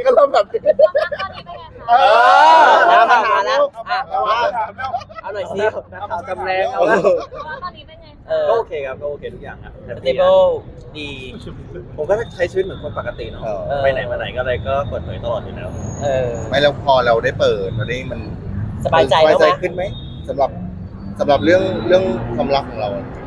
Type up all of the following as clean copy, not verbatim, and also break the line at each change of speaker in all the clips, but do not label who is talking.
ก็เริ่มแบบ
มาแล้วเอาหน่อยสิ
นักข่าวจำแรงเอาละ
ตอนนี้เป็นไง
ก็โอเคครับก็โอเคทุกอย่างครับ
สเตเบิลดี
ผมก็ใช้ชีวิตเหมือนคนปกติเนาะไปไหนมาไหนก็อะไรก็เปิดเผยตลอดอยู่แล้ว
ไม่แล้วพอเราได้เปิดตอนนี้มัน
สบายใจแล้วไหม
ขึ้นไหมสำหรับเรื่องความรักของเรา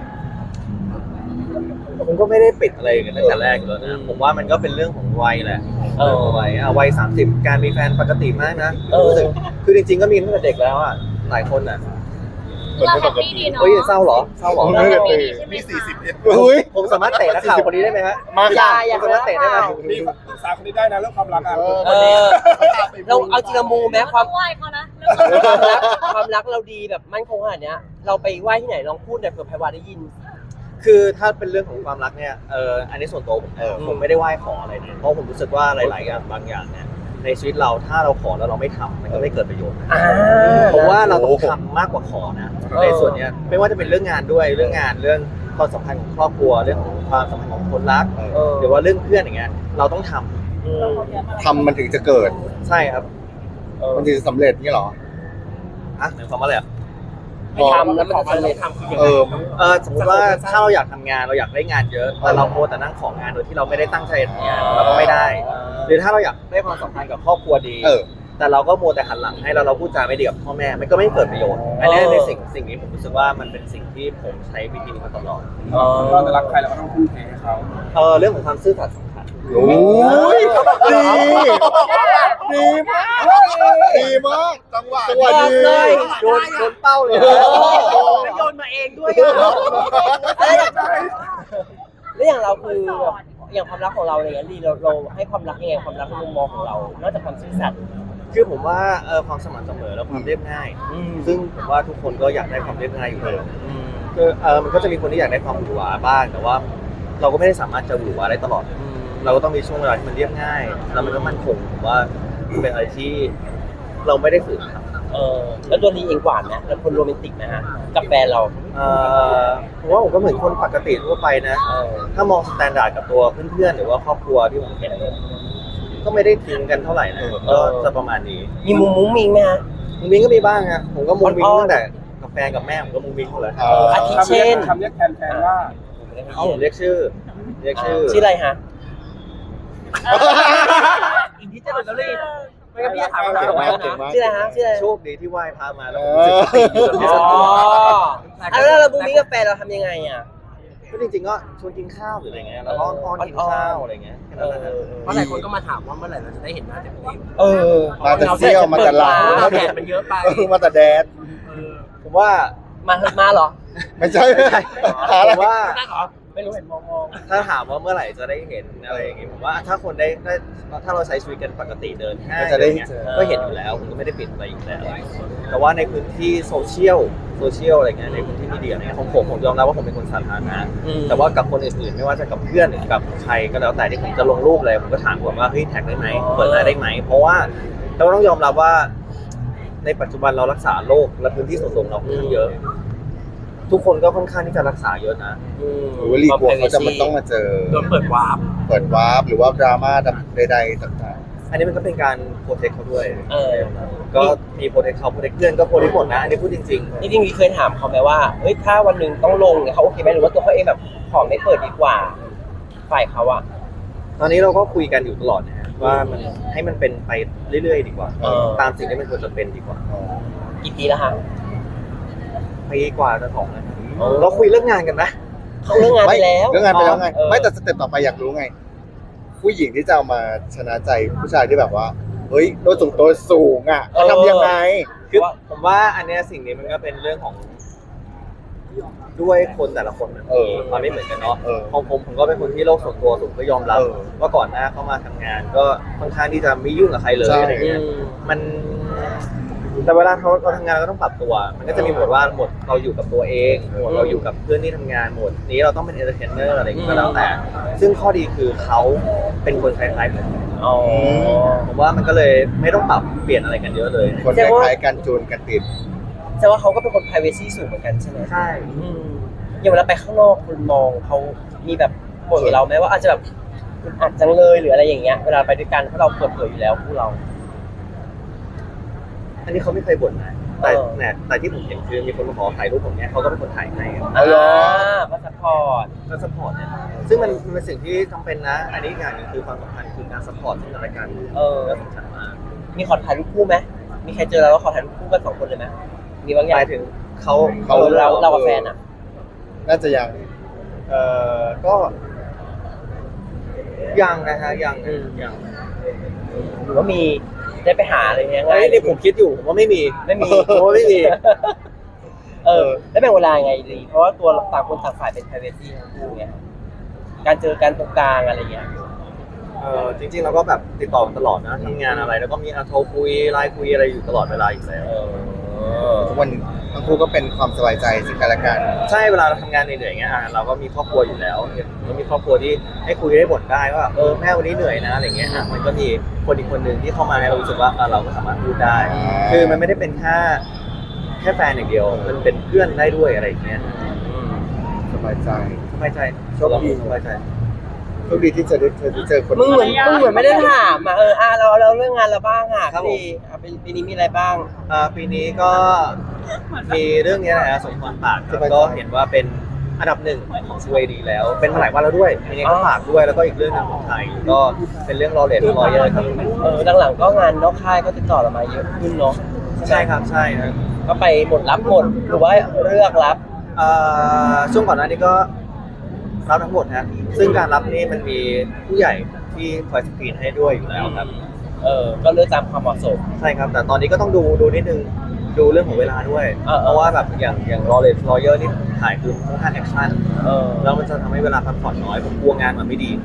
ผมก็ไม่ได้ปิดอะไรกันตั้งแต่แรกเลยนะผมว่ามันก็เป็นเรื่องของวัยแหละวัย30การมีแฟนปกติมากนะรู้สึกคือจริงๆก็มีตั้งแต่เด็กแล้วอ่ะหลายคนอ่ะ
เราแฮปปี้ดีเนาะ
เฮ้ยเศร้าเหรอไม่ได้เตะ
มี40อุ้ย
ผมสามารถเตะนักข่าวคนนี้ได้ไหมฮะ
มา
อย่า
ผมสามารถเตะได้ไหม
นี่ปรึกษาคนนี้ได้นะเรื่องความรักอ่ะ
เราเอาจริงมูแม้ความ
ไหวเขานะ
ความรักเราดีแบบมั่นคงขนาดเนี้ยเราไปไหว้ที่ไหนลองพูดหน่อยเผื่อไพวาได้ยิน
คือถ้าเป็นเรื่องของความรักเนี่ยอันนี้ส่วนตัวผมไม่ได้ไหว้ขออะไรนะเพราะผมรู้สึกว่าหลายๆอย่างบางอย่างเนี่ยในชีวิตเราถ้าเราขอแล้วเราไม่ทำมันก็ไม่เกิดประโยชน์นะเพราะว่าเราต้องทำมากกว่าขอนะในส่วนเนี้ยไม่ว่าจะเป็นเรื่องงานด้วยเรื่องงานเรื่องความสัมพันธ์ของครอบครัวเรื่องของความสัมพันธ์ของคนรักหรือว่าเรื่องเพื่อนอย่างเงี้ยเราต้องทำ
มันถึงจะเกิด
ใช่ครับ
มันถึงจะสำเร็จนี่หรอ
อ่ะหมายความว่าอะไรอ่ะ
ไม่ทำแล้วมันจะสำเร็จ
สมมติว่าถ้าเราอยากทำงานเราอยากได้งานเยอะแต่เราโมแต่นั่งของานโดยที่เราไม่ได้ตั้งใจทำงานเราก็ไม่ได้หรือถ้าเราอยากได้ความสัมพันธ์กับครอบครัวดีแต่เราก็โมแต่หันหลังให้เราพูดจาไม่ดีกับพ่อแม่มันก็ไม่เกิดประโยชน์อันนี้ในสิ่งนี้ผมรู้สึกว่ามันเป็นสิ่งที่ผมใช้วิธีนี้มาตลอด
เราจะรักใครเราก็ต้องทุ่มเทให้เขา
เรื่องของความซื่อสัตย์สำคัญ
โอ้ยดีมากจังหวะดี
โดนเป้าเลย
โยนมาเองด้วยแล้วอย่างเราคืออย่างความรักของเราอะไรเงี้ยดีเราให้ความรักยังไงความรักในมุมมองของเรานอกจากความซื่อสัตย์
คือผมว่าความสม่ำเสมอและความเรียบง่ายซึ่งผมว่าทุกคนก็อยากได้ความเรียบง่ายอยู่แล้วคือมันก็จะมีคนที่อยากได้ความหวือหวาบ้างแต่ว่าเราก็ไม่ได้สามารถจะหวือหวาได้ตลอดเราก็ต้องมีช่วงเวลาที่มันเรียบง่ายแล้วมันก็มั่นคงผมว่าเป็นอะไรที่เราไม่ได้ฝืนครับ
แล้วตัวนี้เองหวานนะแล้วคนโรแมนติกนะฮะกับแฟนเรา
ผมว่าผมก็เหมือนคนปกติทั่วไปนะถ้ามองสแตนดาร์ดกับตัวเพื่อนๆหรือว่าครอบครัวที่ผมเห็นก็ไม่ได้ทิ้งกันเท่าไหร่นะก็จะประมาณนี้
มีมุ้งมิ้งไหมฮะ
มุ้งมิ้งก็มีบ้างฮะผมก็มุ้งมิ้งตั้งแต่กับแฟนกับแม่ผมก็มุ้งมิ้งหมดเลย
อาทิเช่น
คำเรียกแทนว่า
ผมเรียกชื่อ
ชื่ออะไรฮะอีกที่จะหลุดแล้วเลยไม่ก็พี่ถามเราชื่ออะไรฮะชื่ออะไร
โชคดีที่ไหว้พระมาแล้ว
แล้วเรามุ้งมิ้งกับแฟนเราทำยังไงอ่ะ
ก็จริงๆก็ชวนกินข้าวหรืออะไรเงี้ยแล้วอ้อนกินข้าวอะไรเงี้ย
เพราะหลายคนก็มาถามว่าเมื่อไหร่เราจะได้เห็นหน้าเต็ม
มาแต่เซี่ยวมาแต่ลา
แดดมันเยอะไป
มาแต่แดด
ผมว่า
มาเหรอ
ไม่ใช่
ผมว่า
ไม่รู้เห็นมอง
ถ้าถามว่าเมื่อไหร่จะได้เห็นอะไรอย่างงี้ผมว่าถ้าคนได้ถ้าเราใช้ชีวิตกันปกติเดินห้างอะไรเงี้ยก็เห็นอยู่แล้วผมก็ไม่ได้ปิดอะไรอยู่แล้วแต่ว่าในพื้นที่โซเชียลอะไรเงี้ยในพื้นที่มีเดียอะไรเงี้ยของผมยอมรับว่าผมเป็นคนสาธารณะแต่ว่ากับคนอื่นๆไม่ว่าจะกับเพื่อนหรือกับใครก็แล้วแต่ที่ผมจะลงรูปอะไรผมก็ถามก่อนว่าเฮ้ยแท็กได้ไหมเปิดหน้าได้ไหมเพราะว่าเราต้องยอมรับว่าในปัจจุบันเรารักษาโรคและพื้นที่ส่วนรวมเราค่อนข้างเยอะทุกคนก็ค่อนข้างที่จะรักษาเยอะนะ
รีกลัวเขาจะมันต้องมาเจอ
โดนเปิดวาร์
ปหรือว่าดราม่าใดๆต่าง
ๆอันนี้มันก็เป็นการโปรเทคเขาด้วยก็มีโปรเทคเขาโปรเทคเพื่อนก็โปรเทคหมดนะอันนี้พูดจริง
ๆจริงๆเคยถามเขาไหมว่าเฮ้ยถ้าวันหนึ่งต้องลงเนี่ยเขาโอเคไหมหรือว่าตัวเขาเองแบบขอไม่เปิดดีกว่าฝ่ายเขาอะ
ตอนนี้เราก็คุยกันอยู่ตลอดนะฮะว่ามันให้มันเป็นไปเรื่อยๆดีกว่าตามสิ่งที่มันควรจะเป็นดีกว่า
กี่ปีแล้วฮะ
ปีกว่าจะ2แล้วเราคุยเรื่องงานกันนะ
เขาเรื่องงานไปแล้ว
ไงไม่แต่สเต็ปต่อไปอยากรู้ไงผู้หญิงที่จะเอามาชนะใจผู้ชายที่แบบว่าเฮ้ยตัวสูงอ่ะเขาทำยังไง
คือผมว่าอันนี้สิ่งนี้มันก็เป็นเรื่องของด้วยคนแต่ละคนมันไม่เหมือนกันเนาะของผมก็เป็นคนที่โลกส่วนตัวสูงก็ยอมรับว่าก่อนหน้าเข้ามาทำงานก็ค่อนข้างที่จะไม่ยุ่งกับใครเลยอะไรเงี้ยมันแต่เวลาเราทำงานเราต้องปรับตัวมันก็จะมีหมวดว่าหมวดเราอยู่กับตัวเองหมวดเราอยู่กับเพื่อนที่ทำงานหมวดนี้เราต้องเป็นเอนเตอร์เทนเนอร์อะไรอย่างเงี้ยก็แล้วแต่ซึ่งข้อดีคือเขาเป็นคนคล้ายๆผมผมว่ามันก็เลยไม่ต้องปรับเปลี่ยนอะไรกันเยอะเลย
คนคล้ายๆกันจูนกันติด
แต่ว่าเขาก็เป็นคน privacy สูงเหมือนกันใช่ไหม
ใช่
อย่างเวลาไปข้างนอกคนมองเขามีแบบบ่นเราไหมว่าอาจจะแบบอึดอัดจังเลยหรืออะไรอย่างเงี้ยเวลาไปด้วยกันเพราะเราเปิดเผยอยู่แล้วคู่เรา
อันนี้เขาไม่เคยบ่นนะแต่
เออ
แต่ที่ผมเห็นคือมีคนมาขอถ่ายรูปผมเนี่ยเขาก็เป็นคนถ่ายให้ครับ
ก็ซัพพอร์ต
ก็สปอร์ตเนี่ยซึ่งมันเป็นสิ่งที่จำเป็นนะ อันนี้อีกอย่างหนึงคือความสำคัญคือการสปอร์ตซึ่งกันและกันก็สำคัญมาก
มีขอถ่ายรูปคู่ไหมมีใครเจอเราแล้วขอถ่ายรูปคู่กัน2 คนเลยไหมมีบางอ
ห
ย่าง
มายถึงเขา
เรากับแฟนอ่ะ
น่าจะยัง
ก็ยังนะฮะยัง
หรือว่ามีได้ไปหาอะไรเงี้ย
ไอ้นี่ผมคิดอยู่ผมว่าไม่มี
ไม่มี
ผมว่าไม่มี
แล้วแบ่งเวลายังไงดีเพราะว่าตัวต่างคนต่างฝ่ายเป็น privacy ทั้งคู่ไงการเจอกันตรงกลางอะไรเงี้ย
จริงๆเราก็แบบติดต่อกันตลอดนะทำงานอะไรแล้วก็มีโทรคุยไลน์คุยอะไรอยู่ตลอดเวลาอยู่แล้ว
ทุกวันทั้งคู่ก็เป็นความสบายใจซึ่งกันและกัน
ใช่เวลาเราทำงานเหนื่อยๆอย่างเงี้ยเราก็มีครอบครัวอยู่แล้วเรามีครอบครัวที่ให้คุยได้บ่นได้ว่าแม่วันนี้เหนื่อยนะอะไรเงี้ยมันก็มีคนอีกคนหนึ่งที่เข้ามาให้เรารู้สึกว่าเราก็สามารถพูดได้ คือมันไม่ได้เป็นแค่แฟนอย่างเดียวมันเป็นเพื่อนได้ด้วยอะไรอย่างเงี้ย
สบายใจ
สบายใจ
โชคดี
สบายใจ
โชคดีที่จะได้เจอคน
มึงเหมือนไม่ได้ถามอ่ะเราเรื่องงานเราบ้างอ่ะพี่ปีนี้มีอะไรบ้าง
ปีนี้ก็มีเรื่องนี้แหละสมพรปากครับก็เห็นว่าเป็นอันดับ 1ของสวีดีแล้ว เป็นมาหลายวันแล้วด้วยปีนี้ก็ฝากด้วยแล้วก็อีกเรื่องหนึงของไทยก็เป็นเรื่องรอเลดรอเยอร์ครับ
หลังๆก็งานนอกค่ายก็ติดต่อเรามาเยอะขึ้นเนาะ
ใช่ครับใช่นะ
ก็ไปหมดรับหมดหรือว่าเลือกรับ
ช่วงก่อนหน้านี้ก็รับทั้งหมดนะซึ่งการรับนี่มันมีผู้ใหญ่ที่คอยสกรีนให้ด้วยอยู่แล้วครับ
ก็เลือกตามความเหมาะสม
ใช่ครับแต่ตอนนี้ก็ต้องดูนิดนึงดูเรื่องของเวลาด้วย เพราะว่าแบบอย่างรอเลดรอเยอร์นี่ถ่ายคือค่อนข้างแอคชั่นแล้วมันจะทำให้เวลาพักผ่อนน้อยผมกลัวงานมันไม่ดี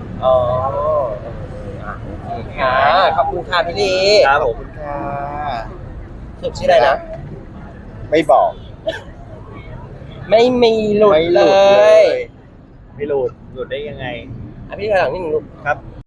ค่ะขอบคุณค่ะพี่ลี
ครับผม
ค่ะ
สุดชื่ออะไรนะ
ไม่บอก
ไม่มีหลุด
ไม่ห
เล
ลุดเลย ย
ไม่หลุดได้ยังไง
พี่ถอยหลังนิดนึงลูก
ครับ